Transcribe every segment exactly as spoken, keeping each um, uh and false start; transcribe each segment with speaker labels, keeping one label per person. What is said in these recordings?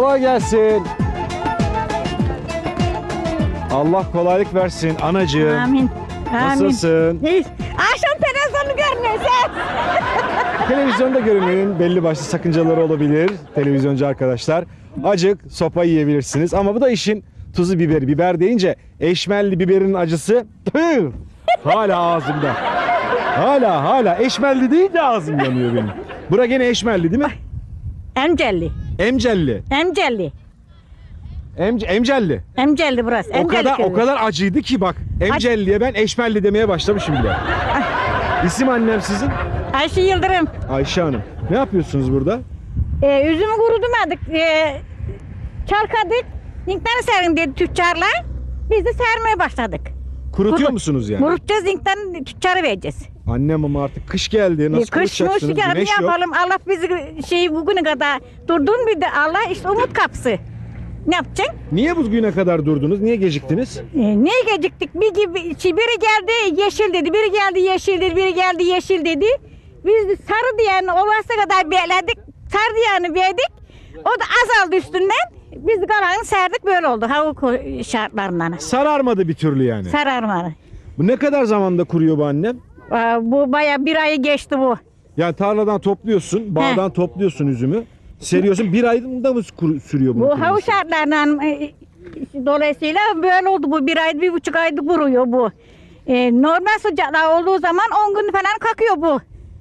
Speaker 1: Kolay gelsin. Allah kolaylık versin anacığım.
Speaker 2: Amin.
Speaker 1: Nasılsın?
Speaker 2: Hiç. Akşam televizyonu görmüyorsun.
Speaker 1: Televizyonda görünmenin belli başlı sakıncaları olabilir televizyoncu arkadaşlar. Acık sopa yiyebilirsiniz ama bu da işin tuzu biberi. Biber deyince eşmelli biberin acısı tüh, hala ağzımda. Hala hala eşmelli deyince ağzım yanıyor benim. Bura gene eşmelli değil mi?
Speaker 2: Emcelli.
Speaker 1: Emcelli.
Speaker 2: Emcelli.
Speaker 1: Emce, emcelli.
Speaker 2: Emcelli burası.
Speaker 1: O
Speaker 2: Emcelli
Speaker 1: kadar
Speaker 2: köyü.
Speaker 1: o kadar acıydı ki bak. Emcelliye ben eşmelli demeye başlamışım bile. İsim annem sizin?
Speaker 2: Ayşe Yıldırım.
Speaker 1: Ayşe Hanım. Ne yapıyorsunuz burada?
Speaker 2: Ee, üzümü kurudumadık. Ee, çalkadık. Zinkten serin dedi tüccarlar. Biz de sermeye başladık.
Speaker 1: Kurutuyor
Speaker 2: Kurut-
Speaker 1: musunuz yani?
Speaker 2: Kurutacağız, zinkten tüccara vereceğiz.
Speaker 1: Annem ama artık kış geldi. Nasıl
Speaker 2: Kış mı
Speaker 1: kurutacaksınız?
Speaker 2: ne
Speaker 1: Güneş yok.
Speaker 2: yapalım? Allah bizi şey bugüne kadar durdun bir de Allah işte umut kapısı. Ne yapacaksın?
Speaker 1: Niye bugüne kadar durdunuz? Niye geciktiniz?
Speaker 2: Ee, niye geciktik? Bir gibi, şey, biri geldi yeşil dedi, biri geldi yeşil dedi, biri geldi yeşil dedi. Biz de sarı diyen olası kadar bekledik, sarı diyeni verdik. O da azaldı üstünden. Biz de kalanı serdik, böyle oldu hava şartlarından.
Speaker 1: Sararmadı bir türlü yani.
Speaker 2: Sararmadı.
Speaker 1: Bu ne kadar zamanda kuruyor bu annem?
Speaker 2: Aa, bu baya bir ayı geçti bu.
Speaker 1: Yani tarladan topluyorsun, bağdan topluyorsun üzümü. Seriyorsun. Bir ayda mı kuru- sürüyor bunu?
Speaker 2: Bu
Speaker 1: kuruması?
Speaker 2: hava şartlarından e, dolayısıyla böyle oldu bu. Bir ay, bir buçuk ayda kuruyor bu. E, normal sıcaklar olduğu zaman on gün falan kakıyor bu.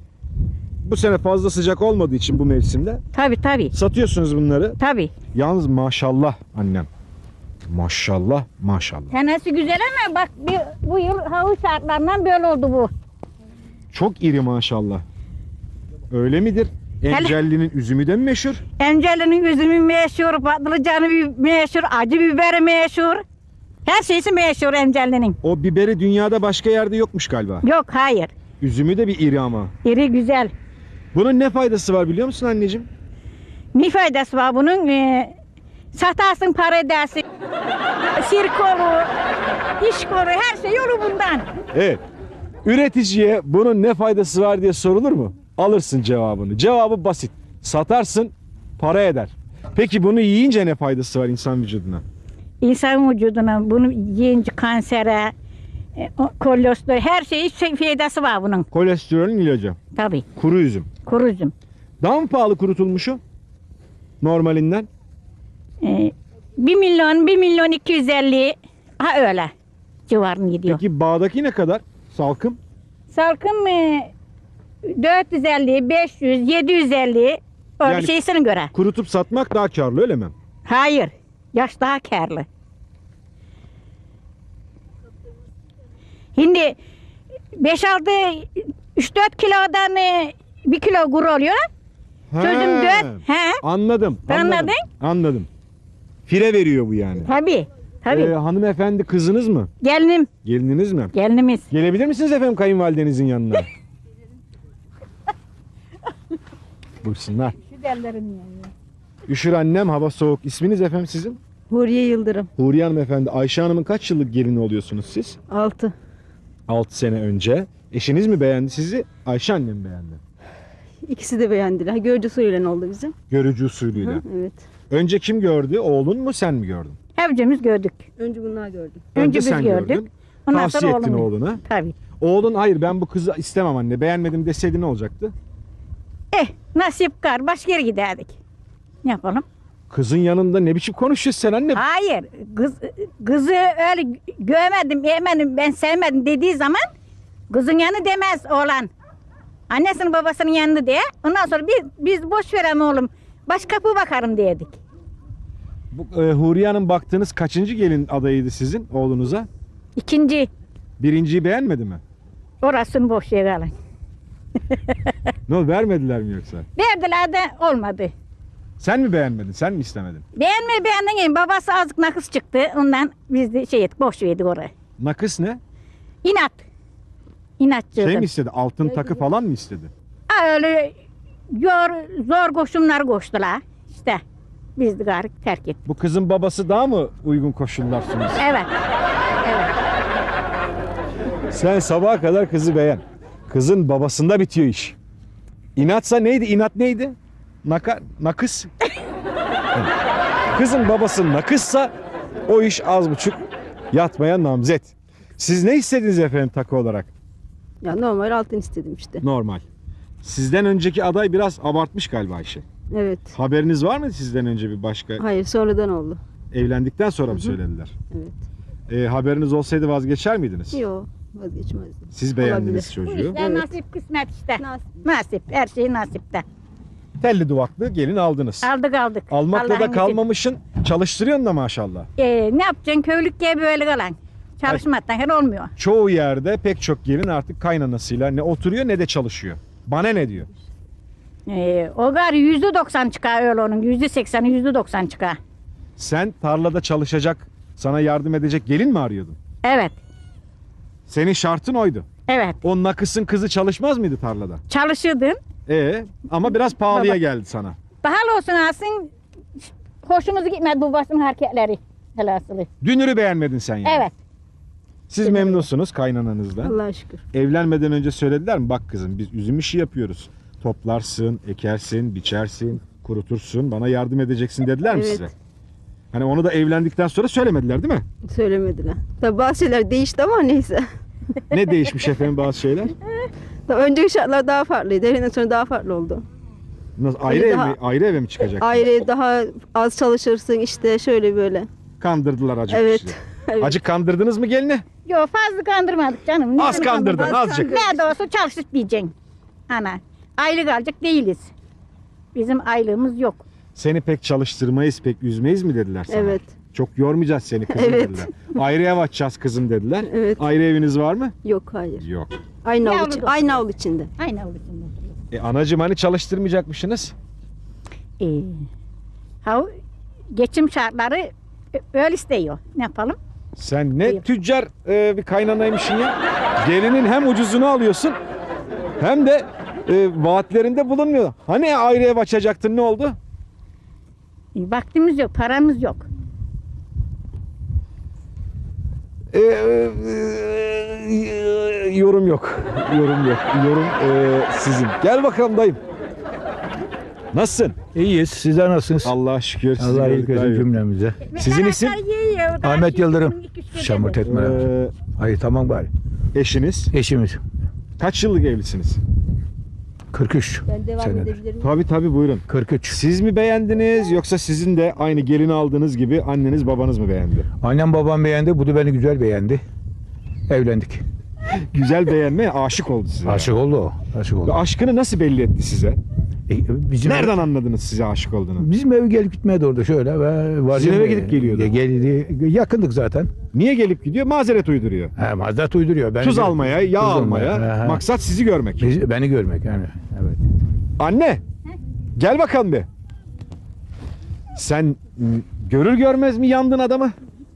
Speaker 1: Bu sene fazla sıcak olmadığı için bu mevsimde
Speaker 2: Tabii tabii.
Speaker 1: satıyorsunuz bunları.
Speaker 2: Tabii.
Speaker 1: Yalnız maşallah annem. Maşallah maşallah.
Speaker 2: Tanesi güzel ama bak bir, bu yıl hava şartlarından böyle oldu bu.
Speaker 1: Çok iri maşallah. Öyle midir? Encelli'nin üzümü de mi meşhur?
Speaker 2: Encelinin üzümü meşhur, patlıcanı bi- meşhur, acı biberi meşhur. Her şeysi meşhur Encelli'nin.
Speaker 1: O biberi dünyada başka yerde yokmuş galiba.
Speaker 2: Yok hayır.
Speaker 1: Üzümü de bir iri ama.
Speaker 2: İri güzel.
Speaker 1: Bunun ne faydası var biliyor musun anneciğim?
Speaker 2: Ne faydası var bunun? Ee, satarsın para edersin. Sirk olur, iş olur, her şey olur bundan.
Speaker 1: Evet. Üreticiye bunun ne faydası var diye sorulur mu? Alırsın cevabını. Cevabı basit. Satarsın, para eder. Peki bunu yiyince ne faydası var insan vücuduna?
Speaker 2: İnsan vücuduna bunu yiyince kansere, e, o- kolesterol, her şeyi şey, faydası var bunun.
Speaker 1: Kolesterolün ilacı.
Speaker 2: Tabii.
Speaker 1: Kuru üzüm.
Speaker 2: Kuru üzüm.
Speaker 1: Daha mı pahalı kurutulmuşu? Normalinden.
Speaker 2: Ee, bir milyon, bir milyon iki yüz elli, ha öyle civarını gidiyor.
Speaker 1: Peki bağdaki ne kadar? Salkım.
Speaker 2: Salkım e, dört yüz elli, beş yüz, yedi yüz elli öyle
Speaker 1: Yani-
Speaker 2: şeysine göre.
Speaker 1: Kurutup satmak daha karlı öyle mi?
Speaker 2: Hayır, yaş daha kârlı. Şimdi beş altı, üç dört kilodan e, bir kilo kuru oluyor. Sözüm
Speaker 1: He,
Speaker 2: dört, he?
Speaker 1: Anladım.
Speaker 2: Anladın?
Speaker 1: Anladım. Anladım. Fire veriyor bu yani.
Speaker 2: Tabii, tabii.
Speaker 1: Ee, hanımefendi kızınız mı?
Speaker 2: Gelinim,
Speaker 1: Gelininiz mi?
Speaker 2: gelinimiz.
Speaker 1: Gelebilir misiniz efendim kayınvalidenizin yanına? Buyursunlar.
Speaker 2: Şu derlerin yani.
Speaker 1: Üşür annem, hava soğuk. İsminiz efendim sizin?
Speaker 3: Huriye Yıldırım.
Speaker 1: Huriye Hanım efendi. Ayşe Hanım'ın kaç yıllık gelini oluyorsunuz siz?
Speaker 3: altı.
Speaker 1: altı sene önce. Eşiniz mi beğendi sizi? Ayşe annem beğendi.
Speaker 3: İkisi de beğendiler. Görücü usulüyle oldu bizim.
Speaker 1: Görücü usulüyle.
Speaker 3: Hı, evet.
Speaker 1: Önce kim gördü? Oğlun mu sen mi gördün?
Speaker 2: Hepimiz gördük.
Speaker 3: Önce bunlar gördü.
Speaker 2: Önce biz
Speaker 1: sen
Speaker 2: gördük.
Speaker 1: gördün.
Speaker 2: Ondan
Speaker 1: Tavsiye
Speaker 2: sonra
Speaker 1: ettin
Speaker 2: oğlum.
Speaker 1: oğluna.
Speaker 2: Tabii.
Speaker 1: Oğlun hayır ben bu kızı istemem anne beğenmedim deseydi ne olacaktı?
Speaker 2: Eh, nasip kar, başka yere giderdik. Ne yapalım?
Speaker 1: Kızın yanında ne biçim konuşuyorsun sen anne?
Speaker 2: Hayır, kız, kızı öyle görmedim, yemedim, ben sevmedim dediği zaman kızın yanı demez oğlan. Annesinin babasının yanında diye. Ondan sonra biz, biz boş verem oğlum. Başka kapı bakarım dedik.
Speaker 1: Bu, e, Huriye Hanım baktığınız kaçıncı gelin adayıydı sizin oğlunuza?
Speaker 2: İkinci,
Speaker 1: Birinciyi beğenmedi mi?
Speaker 2: orasını boş yere alın.
Speaker 1: Ne oldu, vermediler mi yoksa?
Speaker 2: Verdiler de olmadı.
Speaker 1: Sen mi beğenmedin? Sen mi istemedin?
Speaker 2: Beğenme beğendin, babası azıcık nakıs çıktı. Ondan biz de şey ettik, boş verdik orayı.
Speaker 1: Nakıs ne?
Speaker 2: İnat. İnatçı.
Speaker 1: Şey mi istedi? Altın takı falan mı istedi?
Speaker 2: Ha, öyle zor, zor koşumlar koştular. İşte biz de gari terk ettik.
Speaker 1: Bu kızın babası daha mı uygun koşullar sunuyor?
Speaker 2: Evet. Evet.
Speaker 1: Sen sabaha kadar kızı beğen. Kızın babasında bitiyor iş. İnatsa neydi? İnat neydi? Naka, nakıs. Kızın babası nakışsa o iş az buçuk yatmaya namzet. Siz ne istediniz efendim takı olarak?
Speaker 3: Ya normal altın istedim işte.
Speaker 1: Normal. Sizden önceki aday biraz abartmış galiba Ayşe.
Speaker 3: Evet.
Speaker 1: Haberiniz var mı sizden önce bir başka?
Speaker 3: Hayır sonradan oldu.
Speaker 1: Evlendikten sonra mı söylediler?
Speaker 3: Evet.
Speaker 1: E, haberiniz olsaydı vazgeçer miydiniz?
Speaker 3: Yok vazgeçmezdim.
Speaker 1: Siz beğendiniz
Speaker 3: Olabilir.
Speaker 2: Bu
Speaker 1: çocuğu.
Speaker 2: işler
Speaker 3: Evet.
Speaker 2: nasip kısmet işte.
Speaker 3: Nasip.
Speaker 2: Nasip. Her şey nasipte.
Speaker 1: Telli duvaklı gelin aldınız.
Speaker 2: Aldık aldık.
Speaker 1: Almakla
Speaker 2: Allah'ın
Speaker 1: da
Speaker 2: izniyle.
Speaker 1: kalmamışın, çalıştırıyorsun da maşallah.
Speaker 2: Ee, ne yapacaksın köylük diye böyle kalan. Çalışmaktan her olmuyor.
Speaker 1: Çoğu yerde pek çok gelin artık kaynanasıyla ne oturuyor ne de çalışıyor. Bana ne diyor?
Speaker 2: Ee, o gari yüzde doksan çıkar öyle onun. Yüzde sekseni yüzde doksan çıkar.
Speaker 1: Sen tarlada çalışacak, sana yardım edecek gelin mi arıyordun?
Speaker 2: Evet.
Speaker 1: Senin şartın oydu.
Speaker 2: Evet.
Speaker 1: O nakısın kızı çalışmaz mıydı tarlada?
Speaker 2: Çalışırdın.
Speaker 1: E ama biraz pahalıya
Speaker 2: Baba.
Speaker 1: geldi sana.
Speaker 2: Bahal olsun alsın. Hoşumuza gitmedi bu basın hareketleri. Helasılı.
Speaker 1: Dünürü beğenmedin sen yani.
Speaker 2: Evet.
Speaker 1: Siz memnunsunuz kaynananızdan.
Speaker 3: Allah'a şükür.
Speaker 1: Evlenmeden önce söylediler mi? Bak kızım biz üzüm işi yapıyoruz. Toplarsın, ekersin, biçersin, kurutursun. Bana yardım edeceksin dediler mi
Speaker 3: Evet.
Speaker 1: size? Hani onu da evlendikten sonra söylemediler değil mi?
Speaker 3: Söylemediler. Tabii bazı şeyler değişti ama neyse.
Speaker 1: Ne değişmiş efendim bazı şeyler?
Speaker 3: Tabii önceki şartlar daha farklıydı. Evlendikten sonra daha farklı oldu.
Speaker 1: Nasıl, ayrı
Speaker 3: Öyle
Speaker 1: ev
Speaker 3: daha-
Speaker 1: mi, ayrı eve mi çıkacak?
Speaker 3: Ayrı daha az çalışırsın işte şöyle böyle.
Speaker 1: Kandırdılar acık
Speaker 3: Evet.
Speaker 1: sizi.
Speaker 3: Evet.
Speaker 1: Acık kandırdınız mı gelini?
Speaker 2: Yok fazla kandırmadık canım.
Speaker 1: Az
Speaker 2: Ne-
Speaker 1: kandırdın,
Speaker 3: Az
Speaker 1: azıcık.
Speaker 3: kandırdın.
Speaker 2: Ne de olsa çalışıp diyeceksin. Ana. Aylık alacak değiliz. Bizim aylığımız yok.
Speaker 1: Seni pek çalıştırmayız, pek üzmeyiz mi dediler sana?
Speaker 3: Evet.
Speaker 1: Çok yormayacağız seni kızım
Speaker 3: Evet.
Speaker 1: dediler. Ayrı ev açacağız kızım dediler.
Speaker 3: Evet.
Speaker 1: Ayrı eviniz var mı?
Speaker 3: Yok hayır.
Speaker 1: Yok.
Speaker 3: Aynı avlu,
Speaker 2: Yavru
Speaker 3: içi-
Speaker 2: da-
Speaker 3: aynı avlu içinde.
Speaker 2: Aynı avlusunda oturuyor.
Speaker 1: E anacığım hani çalıştırmayacakmışsınız?
Speaker 2: Ee, ha, geçim şartları öyle istiyor. Ne yapalım?
Speaker 1: Sen ne
Speaker 2: Buyur.
Speaker 1: tüccar e, bir kaynanaymışsın ya. Gelinin hem ucuzunu alıyorsun hem de e, vaatlerinde bulunmuyor. Hani ayrı ev açacaktın ne oldu?
Speaker 2: Ee, vaktimiz yok, paramız yok.
Speaker 1: E, e, e, yorum yok. Yorum yok. Yorum e, sizin. Gel bakalım dayım. Nasılsın?
Speaker 4: İyiyiz. Sizler nasılsınız?
Speaker 1: Allah'a şükür. sizi
Speaker 4: Allah
Speaker 1: gördük
Speaker 4: iyilik versin
Speaker 1: dayım.
Speaker 4: cümlemize.
Speaker 1: Sizin isim?
Speaker 4: Ahmet Yıldırım. Şamurt etme.
Speaker 1: E,
Speaker 4: Hayır tamam bari.
Speaker 1: eşiniz.
Speaker 4: Eşimiz.
Speaker 1: Kaç yıllık evlisiniz?
Speaker 4: kırk üç
Speaker 3: Ben devam
Speaker 4: senedir.
Speaker 3: edebilirim.
Speaker 1: Tabii tabii buyurun.
Speaker 4: kırk üç.
Speaker 1: Siz mi beğendiniz yoksa sizin de aynı gelin aldığınız gibi anneniz babanız mı beğendi?
Speaker 4: Annem babam beğendi. Bu da beni güzel beğendi. Evlendik.
Speaker 1: Güzel beğenme aşık oldu size.
Speaker 4: Aşık oldu o. Aşık oldu.
Speaker 1: Ve aşkını nasıl belli etti size?
Speaker 4: E, bizim
Speaker 1: Nereden anladınız size aşık olduğunu?
Speaker 4: Bizim eve gelip gitmedi orada şöyle. Ve var
Speaker 1: Sizin eve gidip geliyordu.
Speaker 4: E, Geldi. Yakındık zaten.
Speaker 1: Niye gelip gidiyor? Mazeret uyduruyor.
Speaker 4: He, mazdat uyduruyor. Ben
Speaker 1: Tuz almaya, yağ
Speaker 4: Tuz
Speaker 1: almaya.
Speaker 4: almaya, he, he.
Speaker 1: Maksat sizi görmek.
Speaker 4: Bizi- beni görmek yani. Evet.
Speaker 1: Anne, gel bakalım bir. Sen m, görür görmez mi yandın adamı?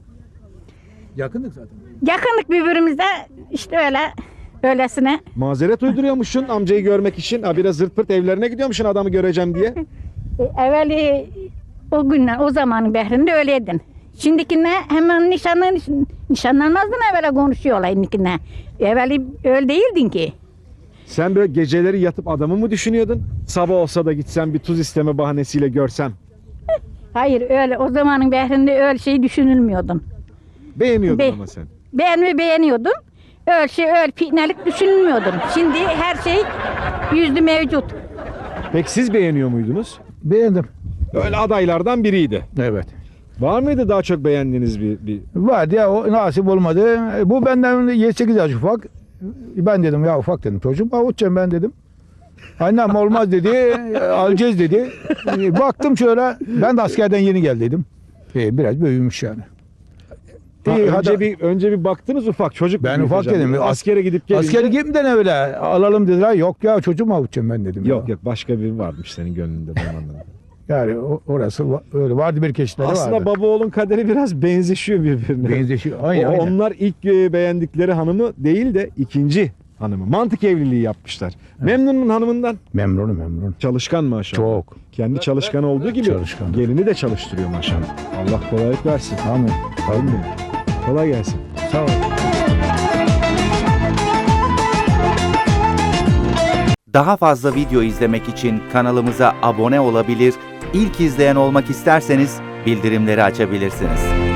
Speaker 4: Yakındık zaten.
Speaker 2: Yakınlık birbirimize işte öyle öylesine.
Speaker 1: Mazeret uyduruyormuşsun amcayı görmek için. Ha, biraz zırt pırt evlerine gidiyormuşsun adamı göreceğim diye.
Speaker 2: E, evveli o günden o zamanın behrinde öyleydin. Şimdikine hemen nişanlan nişanlanmazdın evvela konuşuyorlar şimdikine. Evveli öyle değildin ki.
Speaker 1: Sen böyle geceleri yatıp adamı mı düşünüyordun? Sabah olsa da gitsen bir tuz isteme bahanesiyle görsem.
Speaker 2: Hayır öyle o zamanın behrinde öyle şey düşünülmüyordun.
Speaker 1: Beğeniyordun
Speaker 2: Be-
Speaker 1: ama sen.
Speaker 2: Ben mi beğeniyordum? Öyle şey öyle fitnelik düşünülmüyordun. Şimdi her şey yüzlü mevcut.
Speaker 1: Peki siz beğeniyor muydunuz?
Speaker 4: Beğendim.
Speaker 1: Öyle adaylardan biriydi.
Speaker 4: Evet.
Speaker 1: Var mıydı daha çok beğendiğiniz bir, bir...
Speaker 4: Vardı ya o nasip olmadı. Bu benden yedi sekiz yaş ufak. Ben dedim ya ufak dedim çocuğum avutacağım ben dedim. Annem olmaz dedi. Alacağız dedi. Baktım şöyle ben de askerden yeni geldiydim. E, biraz büyümüş yani.
Speaker 1: Ha,
Speaker 4: İyi,
Speaker 1: önce
Speaker 4: hadi-
Speaker 1: bir önce bir baktınız ufak çocuk.
Speaker 4: Ben
Speaker 1: mu
Speaker 4: ufak
Speaker 1: büyüteceğim?
Speaker 4: dedim.
Speaker 1: Askere gidip gelince.
Speaker 4: Askere gitmeden öyle alalım dediler. Yok ya çocuğum mu avutacağım ben dedim.
Speaker 1: Yok
Speaker 4: ya.
Speaker 1: yok başka biri varmış senin gönlünde ben anladım.
Speaker 4: Yani o- orası va- öyle vardı bir keşifleri
Speaker 1: Aslında
Speaker 4: vardı.
Speaker 1: baba oğlun kaderi biraz benzeşiyor birbirine.
Speaker 4: Benzeşiyor. Aynen,
Speaker 1: O-
Speaker 4: aynen.
Speaker 1: Onlar ilk e, beğendikleri hanımı değil de ikinci hanımı. Mantık evliliği yapmışlar. Memnunum hanımından.
Speaker 4: Memnunum memnun.
Speaker 1: Çalışkan maşallah.
Speaker 4: Çok.
Speaker 1: Kendi çalışkan olduğu gibi
Speaker 4: Çalışkan.
Speaker 1: gelini de çalıştırıyor maşallah. Allah kolaylık versin.
Speaker 4: Amin.
Speaker 1: Amin. Kolay gelsin.
Speaker 4: Sağ ol.
Speaker 5: Daha fazla video izlemek için kanalımıza abone olabilir, ilk izleyen olmak isterseniz bildirimleri açabilirsiniz.